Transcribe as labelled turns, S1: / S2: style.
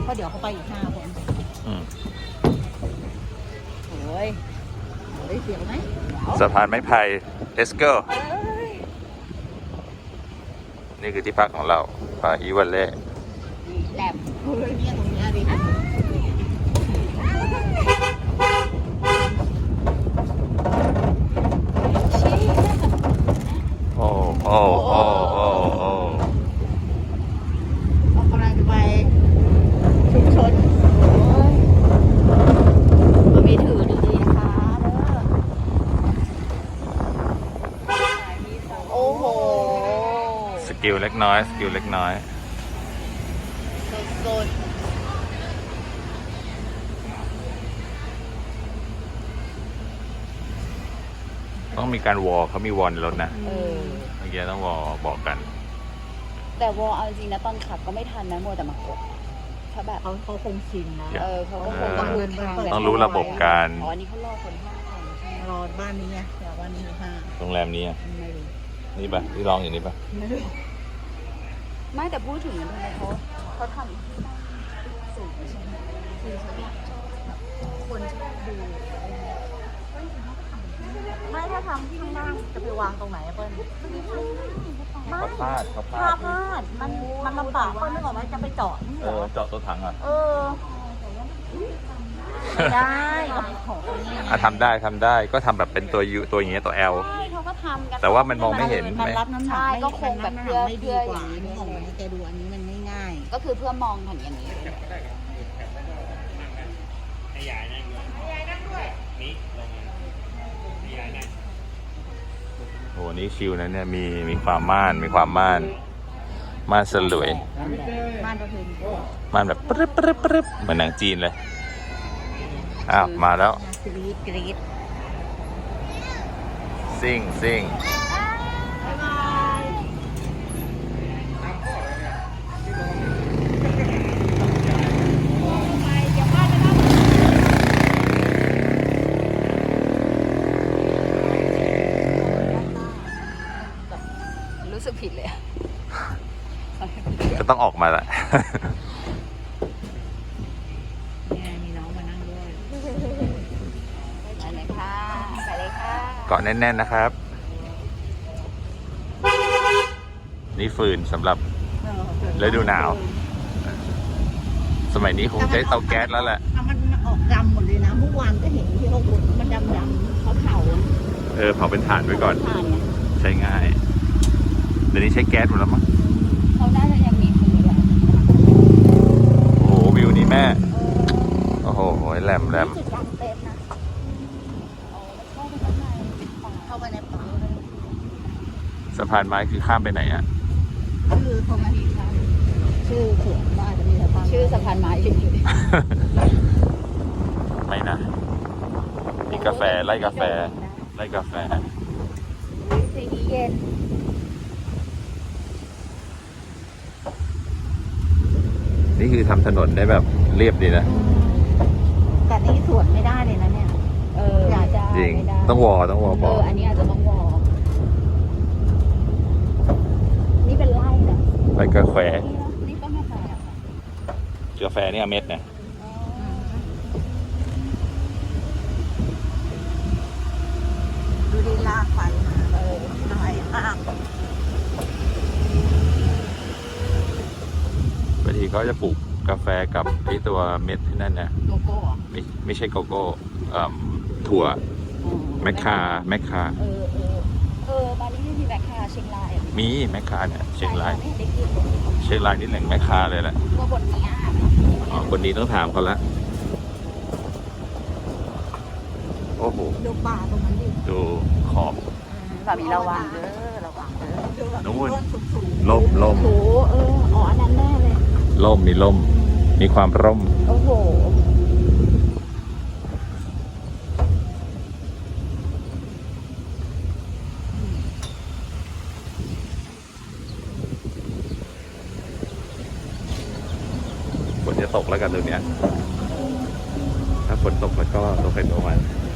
S1: ราะเดี๋ยวเขาไปอีก5 คน โอ้ยเสียวไหม
S2: สะพานไม้ไผ่ let's go นี่คือที่พักของเราป่าอีวันเล่
S1: แหลมเนี่ยตรงนี้ดิ
S2: โอ้โอ้โอ้โอ้โอ้
S1: ออกกำลังไปชุมชนมันมีถือดีๆนะคะโอ้โห
S2: สกิลเล็กน้อยสกิลเล็กน้อย
S1: สุด
S2: ต้องมีการวอลเขามีวอลในรถนะเมื่อกี้ต้องวอลบอกกัน
S1: แต่วอลเอาจริงนะตอนขับก็ไม่ทันนะมัวแต่มากดถ้าแบบเขาคงชินนะเขาก็คงต้องเดินทาง
S2: ต้องรู้ระบบการ
S1: อ๋อนี่เขารอคน5 คนรอบ้านนี้ไงเดี๋ยวบ้านนี้5
S2: โรงแรมนี้
S1: ไม่รู้
S2: นี่ปะที่ลองอย่างนี้ปะ
S1: ไม่แต่พูดถึงทำไมเขาทำสูงใช่ไหมคือคนชอบดูไม่ถ้าทำที่ไม่นั่งจะไปวางตรงไหนเปิ้ล
S2: เขาพลาด
S1: มันลำบากเปิ้ลนึกออกไหมจะไปเจาะ
S2: เจาะตัวถัง
S1: ได้
S2: ทำได้ก็ทำแบบเป็นตัวยูตัวอย่างเงี้ยตัว L
S1: ใช่เขาก็ทำกัน
S2: แต่ว่ามันมองไม่เห็น
S1: มันรับน้ำหนักก็คงแบบเพื่อ
S3: กว่านี่ของมันแกดูอันนี้มันง่าย
S1: ก็คือเพื่อมองอย่างนี้
S2: โอ้นี่ชิวนะเนี่ยมีความม่านสลวย
S1: ม่านประเพณี
S2: ม่านแบบปึ๊บเหมือนหนังจีนเลยอ้าวมาแล้ว
S1: กรี๊ด
S2: ซิ่ง
S1: รู้สึกผิดเลย
S2: ก็ต้องออกมาแหละ
S1: มีน้องมานั่งด้วยไปเลยค่ะ
S2: เกาะแน่นๆนะครับนี่ฟืนสำหรับฤดูหนาวสมัยนี้คงใช้เตาแก๊สแล้วแหละ
S1: มันออกดำหมดเลยนะเมื่อวานก็เห็นที่เขามันดำเขาเผา
S2: เผาเป็นถ่านไว้ก่อนใช้ง่ายเดี๋ยวนี้ใช้แก๊สหมดแล้วมั้ง
S1: เขาน่าจะยังมีฟืนอยู่
S2: โอ้โหวิวนี้แม่โอ้โหแหลม
S1: จุดกลางเต็นท์นะเข้าไปในป่า
S2: สะพานไม้คือข้ามไปไหนอ่ะ
S1: ชื่อเขาไม่มีชื่อสวนบ้านจะมีชื่อสะพานไม้ชื่อ
S2: ไม่นะมีกาแฟไล่กาแฟ
S1: สีเย็น
S2: นี่คือทำถนนได้แบบเรียบดีนะ
S1: แต่นี่สวนไม่ได้เลยนะเนี่ย
S2: จริงต้องวอบอก
S1: อันนี้อาจจะต้องวอนี่เป็นไร่นะ
S2: ไร่กาแฟ
S1: นี่ก็ไม่แพง
S2: กาแฟนี่เม็ดนะ
S1: ดูดีลากไปหน่อย
S2: บางทีเขาจะปลูกกาแฟกับไอตัวเม็ดที่นั่นนะ
S1: โกโก้
S2: ไม่ใช่โกโก้ถั่วแมคคา
S1: บ้านนี้ไม่มีแมคคาเชียงราย
S2: มีแมคคาเนี่ยเชียงรายนี่แหล่งแมคคาเลยแหละ
S1: ตัวบนนี้
S2: บนนี้ต้องถามเขาละโอ้โห
S1: ดูป่าตรงนั้นดิ
S2: ดูขอบ
S1: แบบนี้ระวัง
S2: นู่นล่ม
S1: อันนั้นแน่เลย
S2: มีความร่ม
S1: โอ้โห
S2: ฝนจะตกแล้วกันตรงเนี้ยถ้าฝนตกแล้วก็ตกเป็นประมาณ